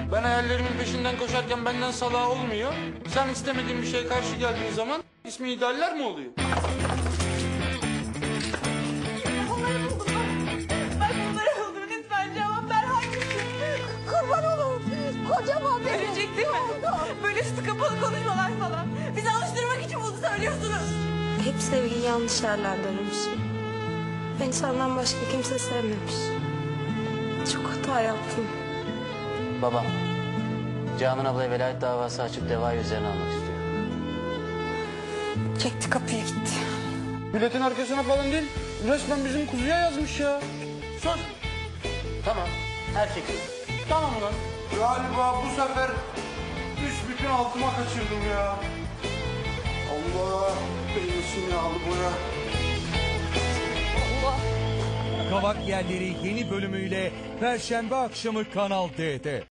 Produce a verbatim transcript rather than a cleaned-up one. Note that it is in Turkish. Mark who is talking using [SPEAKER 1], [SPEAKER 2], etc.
[SPEAKER 1] Ben hayallerimin peşinden koşarken benden salağı olmuyor. Sen istemediğin bir şeye karşı geldiğin zaman ismi idealler mi oluyor?
[SPEAKER 2] Onları buldum ben. Ben bunları buldum. Lütfen cevap ver, hangisi? Kurban olurum. Kocaman bir ölecek değil mi? Böyle üstü kapalı konuşmalar falan. Bizi alıştırmak için bunu söylüyorsunuz.
[SPEAKER 3] Hep sevgin yanlış yerlerden ölmüş. Ben senden başka kimse sevmemiş. Çok hata yaptım.
[SPEAKER 4] Babam, Canan ablaya velayet davası açıp devayı üzerine almak istiyor.
[SPEAKER 3] Çekti kapıya gitti.
[SPEAKER 1] Milletin arkasına falan değil, resmen bizim kuzuya yazmış ya.
[SPEAKER 4] Sus! Tamam, her şekilde.
[SPEAKER 1] Tamam lan. Galiba bu sefer büsbütün altıma kaçırdım ya. Allah beynisin yağlı boya.
[SPEAKER 5] Kavak Yerleri yeni bölümüyle Perşembe akşamı Kanal D'de.